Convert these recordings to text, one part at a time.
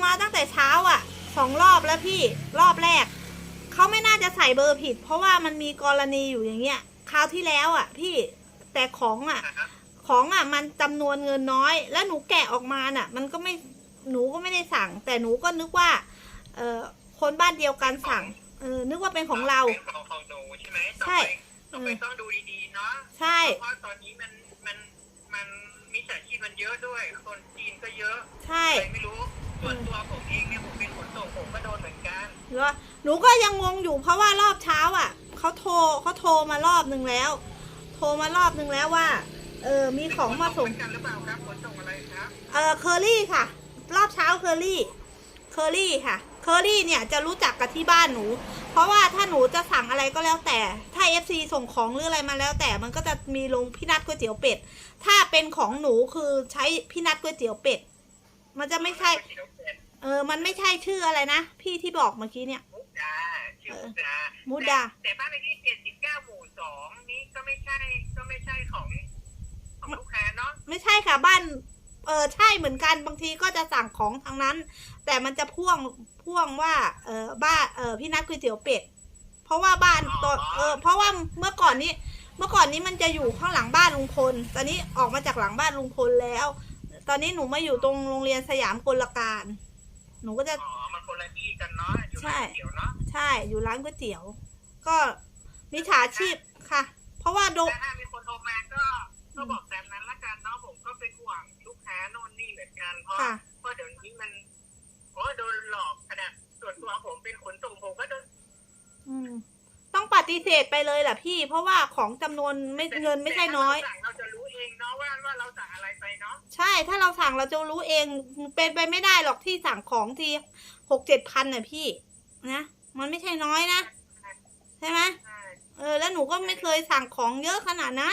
มาตั้งแต่เช้าอ่ะ2 รอบแล้วพี่รอบแรกเขาไม่น่าจะใส่เบอร์ผิด เพราะว่ามันมีกรณีอยู่อย่างเงี้ยคราวที่แล้วอ่ะพี่แต่ของอ่ะมันจำนวนเงินน้อยแล้วหนูแกะออกมาน่ะมันก็ไม่หนูก็ไม่ได้สั่งแต่หนูก็นึกว่าคนบ้านเดียวกันสั่งนึกว่าเป็นของเราเป็นของหนูใช่ไหมใช่ต้องดูดีๆเนาะใช่เพราะตอนนี้มันมิจฉาชีพมันเยอะด้วยคนจีนก็เยอะใช่ไม่รู้ส่วนตัวผมเองเนี่ยผมเป็นขนส่งผมก็โดนเหมือนกันหนูก็ยังงงอยู่เพราะว่ารอบเช้าอ่ะเขาโทรมารอบนึงแล้วว่ามีของมาส่งกันหรือเปล่าครับขนส่งอะไรครับเคอรี่ค่ะรอบเช้าเคอรี่ค่ะเคอรี่เนี่ยจะรู้จักกับที่บ้านหนูเพราะว่าถ้าหนูจะสั่งอะไรก็แล้วแต่ถ้า FC ส่งของหรืออะไรมาแล้วแต่มันก็จะมีลงพี่นัทก๋วยเตี๋ยวเป็ดถ้าเป็นของหนูคือใช้พี่นัทก๋วยเตี๋ยวเป็ดมันจะไม่ใช่มันไม่ใช่ชื่ออะไรนะพี่ที่บอกเมื่อกี้เนี่ยชื่อมุดาแต่บ้านเลขที่79 หมู่ 2นี่ก็ไม่ใช่ของลูกค้าเนาะไม่ใช่ค่ะบ้านใช่เหมือนกันบางทีก็จะสั่งของทางนั้นแต่มันจะพ่วงว่าบ้านพี่นัทก๋วยเตี๋ยวเป็ดเพราะว่าบ้านตัวเพราะว่าเมื่อก่อนนี้มันจะอยู่ข้างหลังบ้านลุงพลตอนนี้ออกมาจากหลังบ้านลุงพลแล้วตอนนี้หนูมาอยู่ตรงโรงเรียนสยามกลการหนูก็จะมันคนละที่กันเนาะอยู่ร้านก๋วยเตี๋ยวเนาะใช่อยู่ร้านก๋วยเตี๋ยวก็มิจฉาชีพค่ะเพราะว่าถ้ามีคนโทรมาก็บอกแบบนั้นละกันเนาะผมก็เป็นห่วงลูกค้าโน่นนี่เหมือนกันเพราะเดี๋ยวนี้มันโดนหลอกขนาดส่วนตัวผมเป็นขนส่งผมก็โดนต้องปฏิเสธไปเลยแหละพี่เพราะว่าของจำนวนเงินไม่ใช่น้อยเราจะรู้เองเนาะว่าเราสั่งอะไรไปเนาะใช่ถ้าเราสั่งเราจะรู้เองเป็นไปไม่ได้หรอกที่สั่งของที่6-7 พันน่ะพี่นะมันไม่ใช่น้อยนะใช่ไหมแล้วหนูก็ไม่เคยสั่งของเยอะขนาดนั้น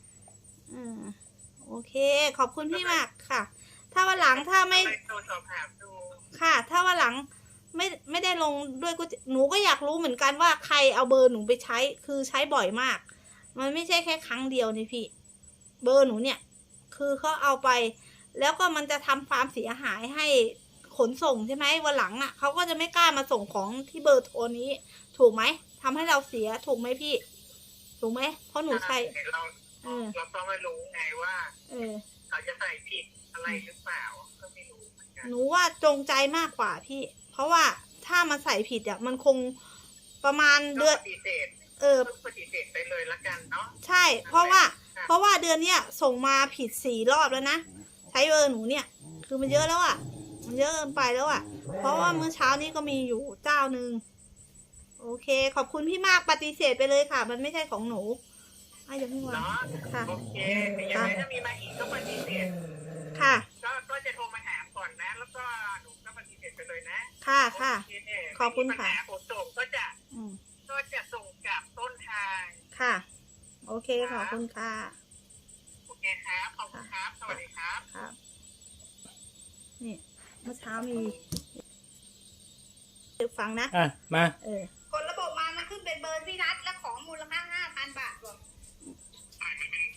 โอเคขอบคุณพี่มากค่ะถ้าวันหลังถ้าไม่ค่ะถ้าวันหลังไม่ได้ลงด้วยก็หนูก็อยากรู้เหมือนกันว่าใครเอาเบอร์หนูไปใช้คือใช้บ่อยมากมันไม่ใช่แค่ครั้งเดียวนี่พี่เบอร์หนูเนี่ยคือเขาเอาไปแล้วก็มันจะทำความเสียหายให้ขนส่งใช่ไหมวันหลังอ่ะเขาก็จะไม่กล้ามาส่งของที่เบอร์โทรนี้ถูกไหมทำให้เราเสียถูกไหมพี่ถูกไหมเพราะหนูใช้เราต้องไม่รู้ไงว่าเขาจะใส่ผิดอะไรหรือเปล่าก็ไม่รู้หนูว่าจงใจมากกว่าพี่เพราะว่าถ้ามันใส่ผิดอ่ะมันคงประมาณเดือนปฏิเสธไปเลยละกันเนาะใช่เพราะว่าเดือนเนี้ยส่งมาผิด4 รอบแล้วนะใช้เบอร์หนูเนี่ยคือมันเยอะแล้วอ่ะมันเยอะเกินไปแล้วอ่ะเพราะว่าเมื่อเช้านี้ก็มีอยู่เจ้านึงโอเคขอบคุณพี่มากปฏิเสธไปเลยค่ะมันไม่ใช่ของหนูอย่าเพิ่งวางค่ะโอเคยังไงถ้ามีมาอีกก็ปฏิเสธค่ะก็จะโทรมาถามก่อนนะแล้วก็หนูก็ปฏิเสธไปเลยนะค่ะขอบคุณค่ะผมส่งก็จะส่งกลับต้นทางค่ะโอเคขอบคุณค่ะโอเคครับขอบคุณครับสวัสดีครับครับนี่เมื่อเช้ามีฟังนะมาคนระบบมามันขึ้นเป็นเบอร์พี่นัทและของมูลค่า 5,000 บาทรวมมันเป็น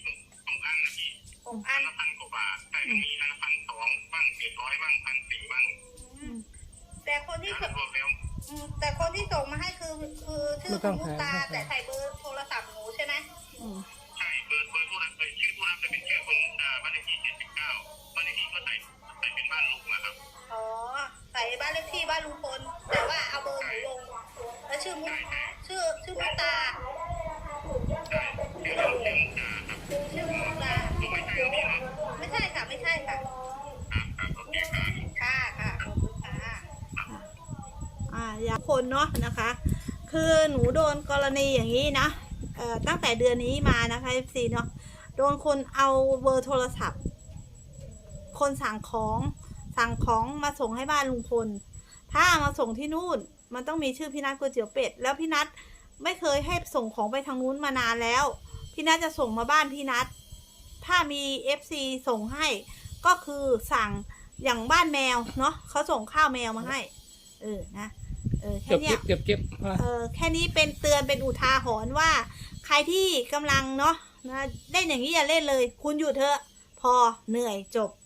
6 อัน1,000 กว่าบาทแต่มี1,200บ้าง700บ้าง1,400บ้างแต่คนที่ส่งมาให้คือชื่อคุณมุตาแต่ใส่เบอร์โทรศัพท์หนูใช่ไหมใช่เบอร์ผู้รับชื่อผู้รับจะเป็นชื่อคุณมุตาบ้านเลขที่79บ้านเลขที่ก็ใส่เป็นบ้านลุงนะครับใส่บ้านเลขที่บ้านลุงพลแต่ว่าเอาเบอร์หนูลงแล้วชื่อมุตาชื่อมุตาไม่ใช่ค่ะไม่ใช่ค่ะค่ะขอบคุณค่ะอย่างคนเนาะนะคะคือหนูโดนกรณีอย่างนี้นะตั้งแต่เดือนนี้มานะคะ FC เนาะโดนคนเอาเบอร์โทรศัพท์คนสั่งของมาส่งให้บ้านลุงพลถ้ามาส่งที่นู่นมันต้องมีชื่อพี่นัทก๋วยเตี๋ยวเป็ดแล้วพี่นัทไม่เคยให้ส่งของไปทางนู้นมานานแล้วพี่นัทจะส่งมาบ้านพี่นัทถ้ามี FC ส่งให้ก็คือสั่งอย่างบ้านแมวเนาะเขาส่งข้าวแมวมาให้นะแค่นี้เก็บแค่นี้เป็นเตือนเป็นอุทาหรณ์ว่าใครที่กำลังเนาะนะเล่นอย่างนี้อย่าเล่นเลยคุณหยุดเถอะพอเหนื่อยจบ